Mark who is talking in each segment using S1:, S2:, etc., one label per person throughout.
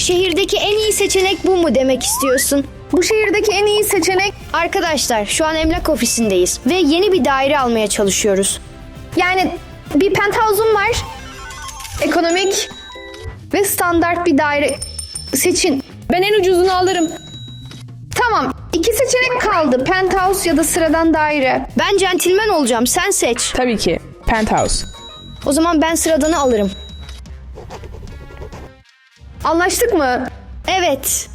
S1: şehirdeki en iyi seçenek bu mu demek istiyorsun?
S2: Bu şehirdeki en iyi seçenek
S1: Arkadaşlar şu an emlak ofisindeyiz ve yeni bir daire almaya çalışıyoruz.
S2: yani bir penthouse'um var. Ekonomik ve standart bir daire seçin.
S3: Ben en ucuzunu alırım.
S2: Tamam. 2 seçenek kaldı. Penthouse ya da sıradan daire.
S1: Ben centilmen olacağım, sen seç.
S4: Tabii ki. Penthouse.
S1: O zaman ben sıradanı alırım.
S2: Anlaştık mı?
S1: Evet.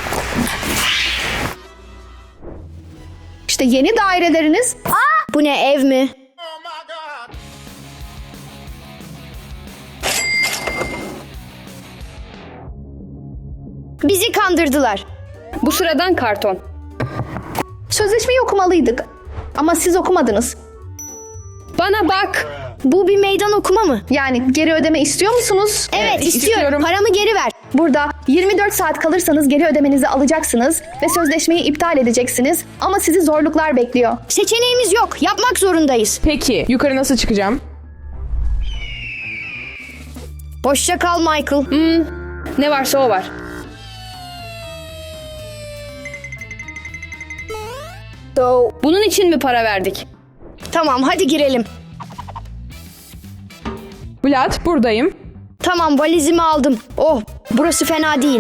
S2: İşte yeni daireleriniz.
S1: Bu ne, ev mi? Bizi kandırdılar.
S3: Bu sıradan karton.
S2: Sözleşmeyi okumalıydık. Ama siz okumadınız.
S3: Bana bak.
S1: Bu bir meydan okuma mı?
S2: Yani geri ödeme istiyor musunuz?
S1: Evet, istiyorum.
S4: istiyorum.
S1: Paramı geri ver.
S2: Burada 24 saat kalırsanız geri ödemenizi alacaksınız ve sözleşmeyi iptal edeceksiniz. Ama sizi zorluklar bekliyor.
S1: Seçeneğimiz yok. Yapmak zorundayız.
S4: Peki yukarı nasıl çıkacağım?
S1: Hoşça kal Michael.
S3: Ne varsa o var. Bunun için mi para verdik?
S1: Tamam, hadi girelim.
S4: Vlad buradayım.
S1: Tamam, valizimi aldım. Oh, burası fena değil.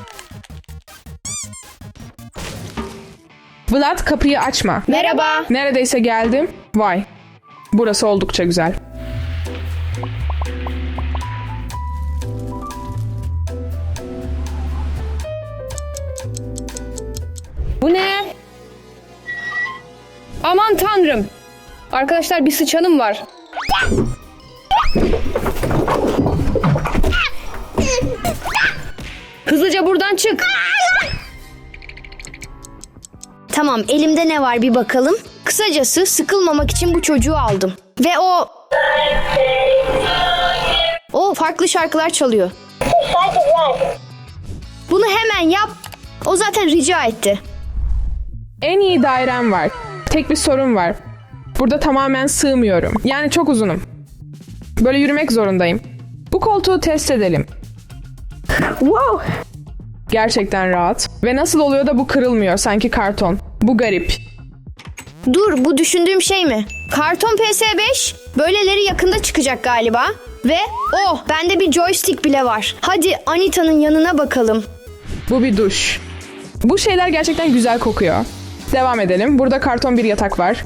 S4: Vlad kapıyı açma.
S1: Merhaba.
S4: Neredeyse geldim. Vay. Burası oldukça güzel.
S3: Bu ne? Aman tanrım. Arkadaşlar bir sıçanım var. Hızlıca buradan çık.
S1: Tamam, elimde ne var bir bakalım. Kısacası sıkılmamak için bu çocuğu aldım. Ve o farklı şarkılar çalıyor. Bunu hemen yap. O zaten rica etti.
S4: En iyi dairem var. Tek bir sorun var. Burada tamamen sığmıyorum. Yani çok uzunum. Böyle yürümek zorundayım. Bu koltuğu test edelim.
S2: Wow!
S4: Gerçekten rahat. Ve nasıl oluyor da bu kırılmıyor sanki karton. Bu garip.
S1: Dur, bu düşündüğüm şey mi? Karton PS5 böyleleri yakında çıkacak galiba. Ve bende bir joystick bile var. Hadi Anita'nın yanına bakalım.
S4: Bu bir duş. Bu şeyler gerçekten güzel kokuyor. Devam edelim. Burada karton bir yatak var.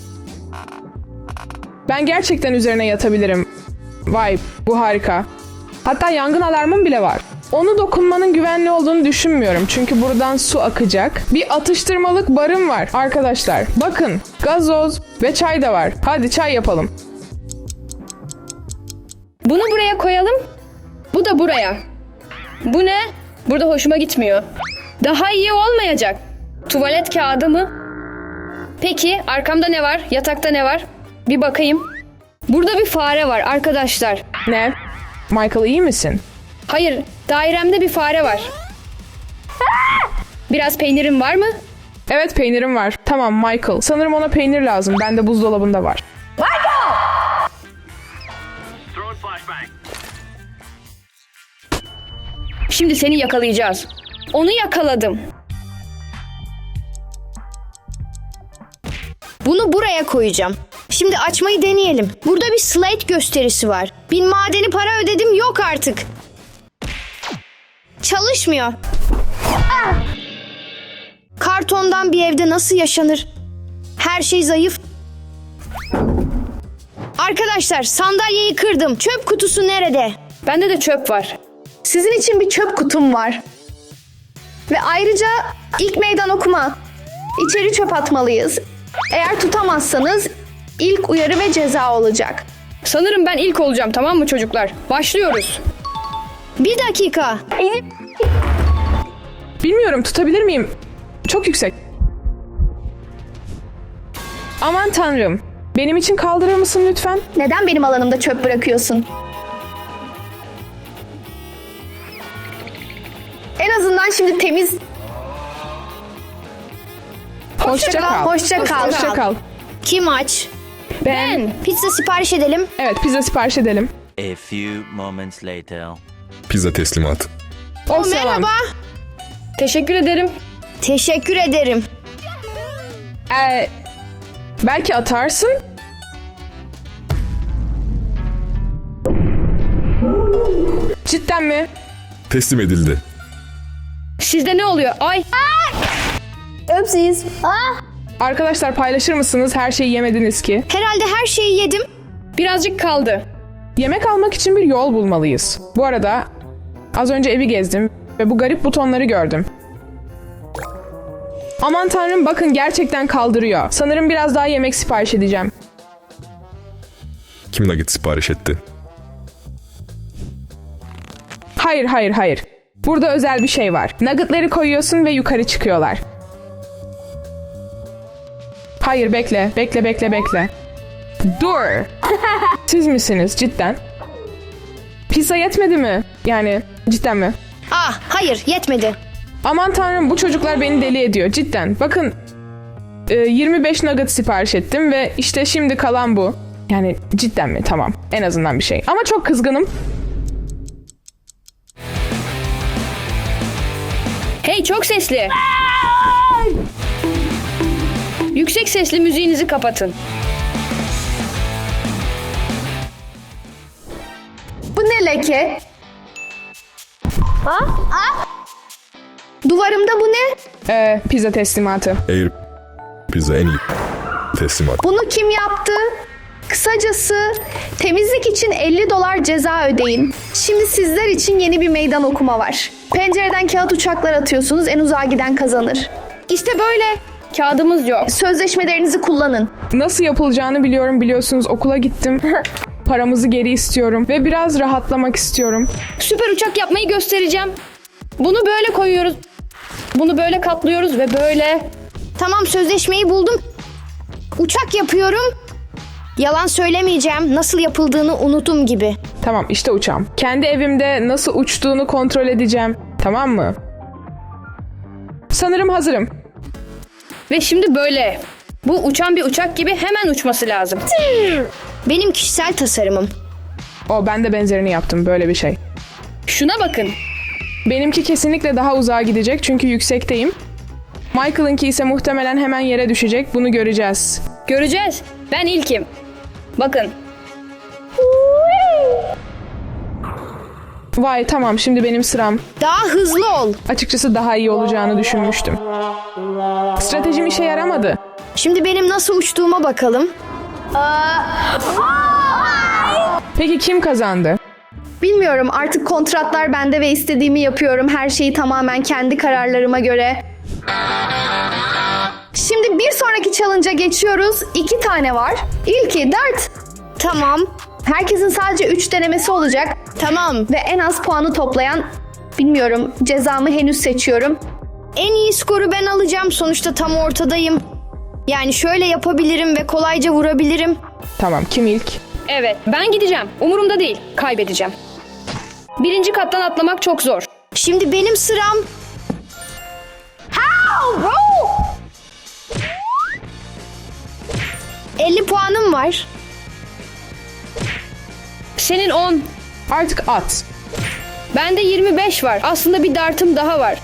S4: Ben gerçekten üzerine yatabilirim. Vay, bu harika. Hatta yangın alarmım bile var. Onu dokunmanın güvenli olduğunu düşünmüyorum. Çünkü buradan su akacak. Bir atıştırmalık barım var arkadaşlar. Bakın, gazoz ve çay da var. Hadi çay yapalım.
S3: Bunu buraya koyalım. Bu da buraya. Bu ne? Burada hoşuma gitmiyor. Daha iyi olmayacak. Tuvalet kağıdı mı? Peki arkamda ne var? Yatakta ne var? Bir bakayım. Burada bir fare var arkadaşlar.
S4: Ne? Michael iyi misin?
S3: Hayır, dairemde bir fare var. Biraz peynirim var mı?
S4: Evet, peynirim var. Tamam Michael. Sanırım ona peynir lazım. Bende buzdolabında var.
S3: Şimdi seni yakalayacağız. Onu yakaladım.
S1: Bunu buraya koyacağım. Şimdi açmayı deneyelim. Burada bir slate gösterisi var. 1000 madeni para ödedim, yok artık. Çalışmıyor. Kartondan bir evde nasıl yaşanır? Her şey zayıf. Arkadaşlar, sandalyeyi kırdım. Çöp kutusu nerede?
S3: Bende de çöp var.
S2: Sizin için bir çöp kutum var. Ve ayrıca ilk meydan okuma. İçeri çöp atmalıyız. Eğer tutamazsanız ilk uyarı ve ceza olacak.
S3: Sanırım ben ilk olacağım, tamam mı çocuklar? Başlıyoruz.
S1: Bir dakika.
S4: Bilmiyorum, tutabilir miyim? Çok yüksek. Aman tanrım. Benim için kaldırır mısın lütfen?
S2: Neden benim alanımda çöp bırakıyorsun? En azından şimdi temiz.
S4: Hoşça kal.
S2: Hoşça kal.
S4: Hoşça kal.
S1: Kim aç?
S4: Ben.
S1: Pizza sipariş edelim.
S4: Evet, pizza sipariş edelim.
S5: A few moments later.
S6: Pizza teslimatı.
S4: O selam.
S1: Merhaba.
S3: Teşekkür ederim.
S1: Teşekkür ederim.
S4: Belki atarsın. Cidden mi?
S5: Teslim edildi.
S3: Sizde ne oluyor? Ay.
S2: Öpsiz.
S4: Arkadaşlar paylaşır mısınız? Her şeyi yemediniz ki.
S1: Herhalde her şeyi yedim.
S3: Birazcık kaldı.
S4: Yemek almak için bir yol bulmalıyız. Bu arada az önce evi gezdim ve bu garip butonları gördüm. Aman tanrım, bakın gerçekten kaldırıyor. Sanırım biraz daha yemek sipariş edeceğim.
S5: Kim nugget sipariş etti?
S4: Hayır. Burada özel bir şey var. Nuggetları koyuyorsun ve yukarı çıkıyorlar. Hayır, bekle. Dur. Siz misiniz cidden? Pizza yetmedi mi? Yani cidden mi?
S1: Hayır yetmedi.
S4: Aman tanrım, bu çocuklar beni deli ediyor cidden. Bakın 25 nugget sipariş ettim ve işte şimdi kalan bu. Yani cidden mi? Tamam. En azından bir şey. Ama çok kızgınım.
S3: Hey, çok sesli. Yüksek sesli müziğinizi kapatın.
S2: Bu ne leke? Duvarımda bu ne?
S4: Pizza teslimatı.
S5: Air pizza en iyi teslimat.
S2: Bunu kim yaptı? Kısacası temizlik için $50 ceza ödeyin. Şimdi sizler için yeni bir meydan okuma var. Pencereden kağıt uçaklar atıyorsunuz, en uzağa giden kazanır. İşte böyle.
S3: Kağıdımız yok.
S2: Sözleşmelerinizi kullanın.
S4: Nasıl yapılacağını biliyorum, biliyorsunuz. Okula gittim. Paramızı geri istiyorum ve biraz rahatlamak istiyorum.
S3: Süper uçak yapmayı göstereceğim. Bunu böyle koyuyoruz. Bunu böyle katlıyoruz ve böyle.
S1: Tamam, sözleşmeyi buldum. Uçak yapıyorum. Yalan söylemeyeceğim. Nasıl yapıldığını unuttum gibi.
S4: Tamam, işte uçağım. Kendi evimde nasıl uçtuğunu kontrol edeceğim. Tamam mı? Sanırım hazırım.
S3: Ve şimdi böyle. Bu uçan bir uçak gibi hemen uçması lazım.
S1: Benim kişisel tasarımım.
S4: Ben de benzerini yaptım, böyle bir şey.
S3: Şuna bakın.
S4: Benimki kesinlikle daha uzağa gidecek çünkü yüksekteyim. Michael'ınki ise muhtemelen hemen yere düşecek. Bunu göreceğiz.
S3: Göreceğiz. Ben ilkim. Bakın.
S4: Vay, tamam, şimdi benim sıram.
S1: Daha hızlı ol.
S4: Açıkçası daha iyi olacağını düşünmüştüm. Stratejim işe yaramadı.
S1: Şimdi benim nasıl uçtuğuma bakalım.
S4: Peki kim kazandı?
S2: Bilmiyorum, artık kontratlar bende ve istediğimi yapıyorum. Her şeyi tamamen kendi kararlarıma göre. Şimdi bir sonraki challenge'a geçiyoruz. 2 tane var. İlki dart.
S1: Tamam.
S2: Herkesin sadece 3 denemesi olacak.
S1: Tamam.
S2: Ve en az puanı toplayan, bilmiyorum, cezamı henüz seçiyorum.
S1: En iyi skoru ben alacağım. Sonuçta tam ortadayım. Yani şöyle yapabilirim ve kolayca vurabilirim.
S4: Tamam, kim ilk?
S3: Evet, ben gideceğim. Umurumda değil. Kaybedeceğim. 1. kattan atlamak çok zor.
S1: Şimdi benim sıram. How, bro? 50 puanım var.
S3: Senin 10.
S4: Artık at.
S3: Bende 25 var. Aslında bir dartım daha var.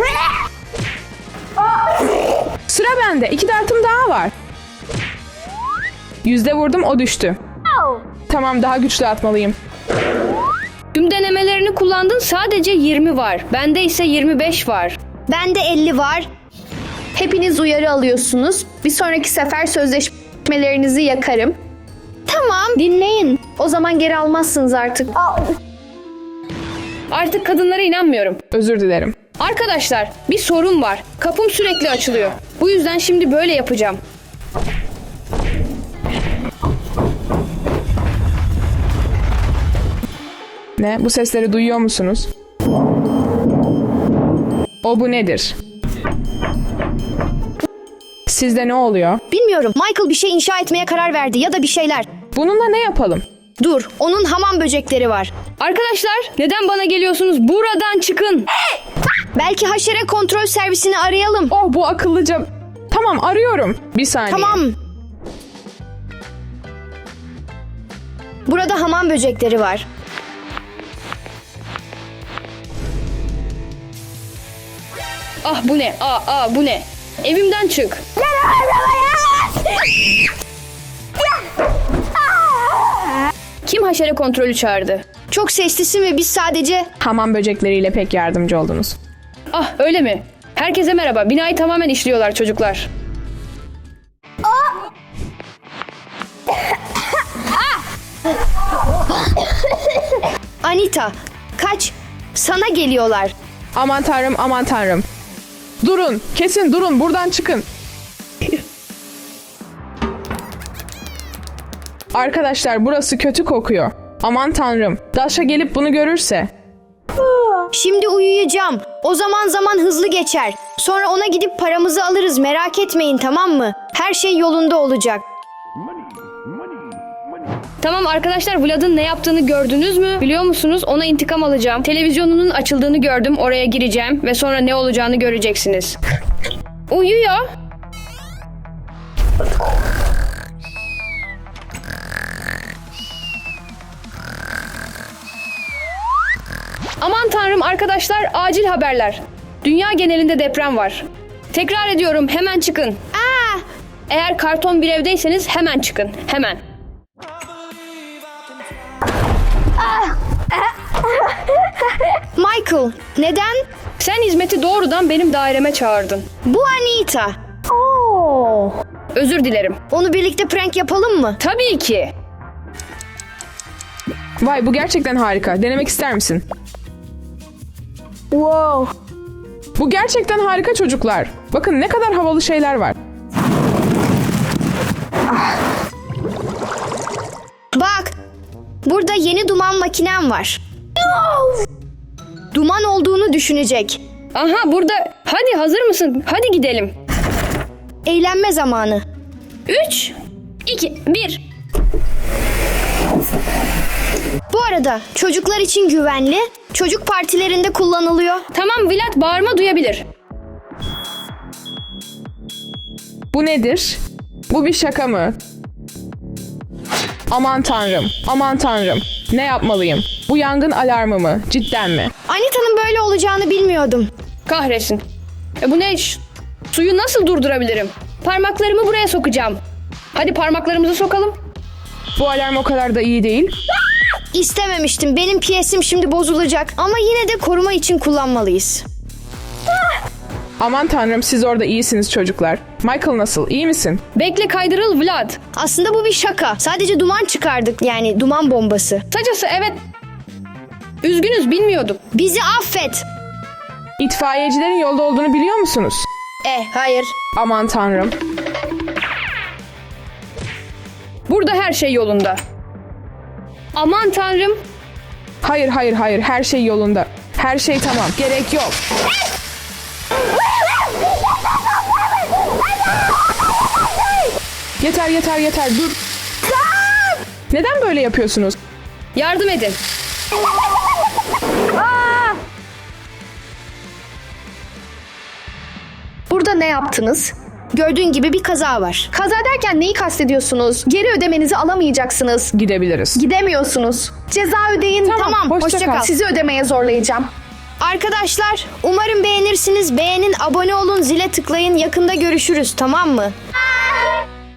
S4: Sıra bende. 2 dartım daha var. 100'de vurdum, o düştü. Tamam, daha güçlü atmalıyım.
S3: Tüm denemelerini kullandın, sadece 20 var. Bende ise 25 var.
S1: Bende 50 var.
S2: Hepiniz uyarı alıyorsunuz. Bir sonraki sefer sözleşmelerinizi yakarım.
S1: Tamam.
S2: Dinleyin. O zaman geri almazsınız artık.
S3: Artık kadınlara inanmıyorum.
S4: Özür dilerim.
S3: Arkadaşlar, bir sorun var. Kapım sürekli açılıyor. Bu yüzden şimdi böyle yapacağım.
S4: Ne? Bu sesleri duyuyor musunuz? Bu nedir? Sizde ne oluyor?
S1: Bilmiyorum. Michael bir şey inşa etmeye karar verdi ya da bir şeyler.
S4: Bununla ne yapalım?
S1: Dur. Onun hamam böcekleri var.
S3: Arkadaşlar, neden bana geliyorsunuz? Buradan çıkın.
S1: Belki haşere kontrol servisini arayalım.
S4: Bu akıllıca... Tamam, arıyorum. Bir saniye.
S1: Tamam. Burada hamam böcekleri var.
S3: Ah bu ne? Bu ne? Evimden çık. Kim haşere kontrolü çağırdı?
S1: Çok seslisin ve biz sadece...
S4: Hamam böcekleriyle pek yardımcı oldunuz.
S3: Ah öyle mi? Herkese merhaba. Binayı tamamen işliyorlar çocuklar.
S1: Anita, kaç. Sana geliyorlar.
S4: Aman tanrım, aman tanrım. Durun, kesin durun, buradan çıkın. Arkadaşlar burası kötü kokuyor. Aman tanrım, Dasha gelip bunu görürse.
S1: Şimdi uyuyacağım. O zaman hızlı geçer. Sonra ona gidip paramızı alırız. Merak etmeyin, tamam mı? Her şey yolunda olacak.
S3: Tamam arkadaşlar, Vlad'ın ne yaptığını gördünüz mü? Biliyor musunuz? Ona intikam alacağım. Televizyonunun açıldığını gördüm. Oraya gireceğim ve sonra ne olacağını göreceksiniz. Uyuyor. Aman tanrım arkadaşlar, acil haberler. Dünya genelinde deprem var. Tekrar ediyorum, hemen çıkın. Eğer karton bir evdeyseniz hemen çıkın. Hemen.
S1: Michael, neden?
S3: Sen hizmeti doğrudan benim daireme çağırdın.
S1: Bu Anita.
S3: Özür dilerim.
S1: Onu birlikte prank yapalım mı?
S3: Tabii ki.
S4: Vay bu gerçekten harika. Denemek ister misin?
S1: Wow.
S4: Bu gerçekten harika çocuklar. Bakın ne kadar havalı şeyler var.
S1: Bak, burada yeni duman makinem var. Duman olduğunu düşünecek.
S3: Aha burada. Hadi hazır mısın? Hadi gidelim.
S1: Eğlenme zamanı.
S3: 3, 2, 1.
S1: Bu arada çocuklar için güvenli, çocuk partilerinde kullanılıyor.
S3: Tamam, Vlad bağırma duyabilir.
S4: Bu nedir? Bu bir şaka mı? Aman tanrım, aman tanrım. Ne yapmalıyım? Bu yangın alarmı mı? Cidden mi?
S1: Anita'nın böyle olacağını bilmiyordum.
S3: Kahretsin. Bu ne? Suyu nasıl durdurabilirim? Parmaklarımı buraya sokacağım. Hadi parmaklarımızı sokalım.
S4: Bu alarm o kadar da iyi değil.
S1: İstememiştim. Benim piyesim şimdi bozulacak. Ama yine de koruma için kullanmalıyız.
S4: Aman tanrım siz orada iyisiniz çocuklar. Michael nasıl? İyi misin?
S3: Bekle, kaydırıl Vlad.
S1: Aslında bu bir şaka. Sadece duman çıkardık. Yani duman bombası.
S3: Kısacası evet. Üzgünüz, bilmiyorduk.
S1: Bizi affet.
S4: İtfaiyecilerin yolda olduğunu biliyor musunuz?
S1: Hayır.
S4: Aman tanrım.
S3: Burada her şey yolunda. Aman tanrım.
S4: Hayır hayır hayır her şey yolunda. Her şey tamam. Gerek yok. Yeter yeter yeter dur. Neden böyle yapıyorsunuz?
S3: Yardım edin.
S2: Burada ne yaptınız?
S1: Gördüğün gibi bir kaza var.
S2: Kaza derken neyi kastediyorsunuz? Geri ödemenizi alamayacaksınız.
S4: Gidebiliriz.
S2: Gidemiyorsunuz. Ceza ödeyin.
S1: Tamam, hoşça kal.
S2: Sizi ödemeye zorlayacağım.
S1: Arkadaşlar, umarım beğenirsiniz. Beğenin, abone olun, zile tıklayın. Yakında görüşürüz, tamam mı?